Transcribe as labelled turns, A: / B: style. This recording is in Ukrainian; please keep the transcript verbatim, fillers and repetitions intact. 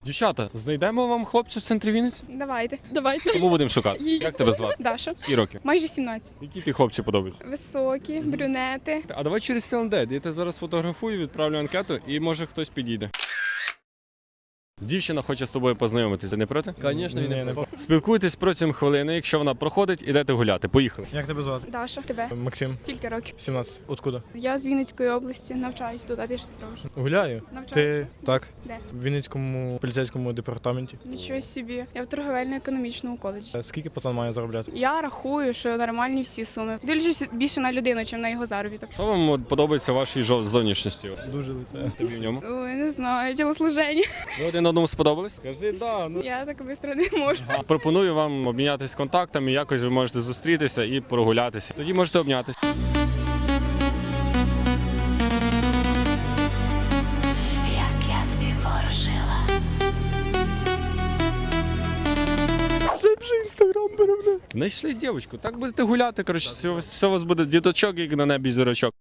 A: Дівчата, знайдемо вам хлопця в центрі Вінниці?
B: Давайте. Давайте.
A: Кому будемо шукати? Як тебе звати?
B: Даша.
A: Скільки років?
B: Майже сімнадцять.
A: Які ти хлопці подобаються?
B: Високі, брюнети.
A: А давай через Селендет. Я тебе зараз фотографую, відправлю анкету і може хтось підійде. Дівчина хоче з тобою познайомитися, не проти?
C: Звісно, він не проти.
A: Спілкуйтесь протягом хвилини, якщо вона проходить, ідете гуляти. Поїхали.
C: Як тебе звати?
B: Даша. Тебе.
C: Максим,
B: Кілька років.
C: сімнадцять. Откуда?
B: Я з Вінницької області, навчаюсь тут, а ти що ти робиш?
C: Гуляю.
B: Навчаюся.
C: Ти так?
B: Де?
C: В Вінницькому поліцейському департаменті.
B: Нічого собі. Я в торговельно-економічному коледжі.
C: Е, Скільки пацан має заробляти?
B: Я рахую, що нормальні всі суми. Дивлячись більше на людину, ніж на його заробіток.
A: Що вам от подобається в вашій жо- зовнішності?
C: Дуже лице.
A: Тобі в ньому?
B: Ой, не знаю, тілослуження.
A: Ви один одному сподобались? Кажи, да. Ну.
B: Я так швидко не можу.
A: Пропоную вам обмінятися контактами, якось ви можете зустрітися і прогулятися. Тоді можете обнятися.
D: Як я тобі ворожила.
A: Знайшли дівчинку, так будете гуляти, коротше, все, все у вас буде діточок, як на небі зірочок.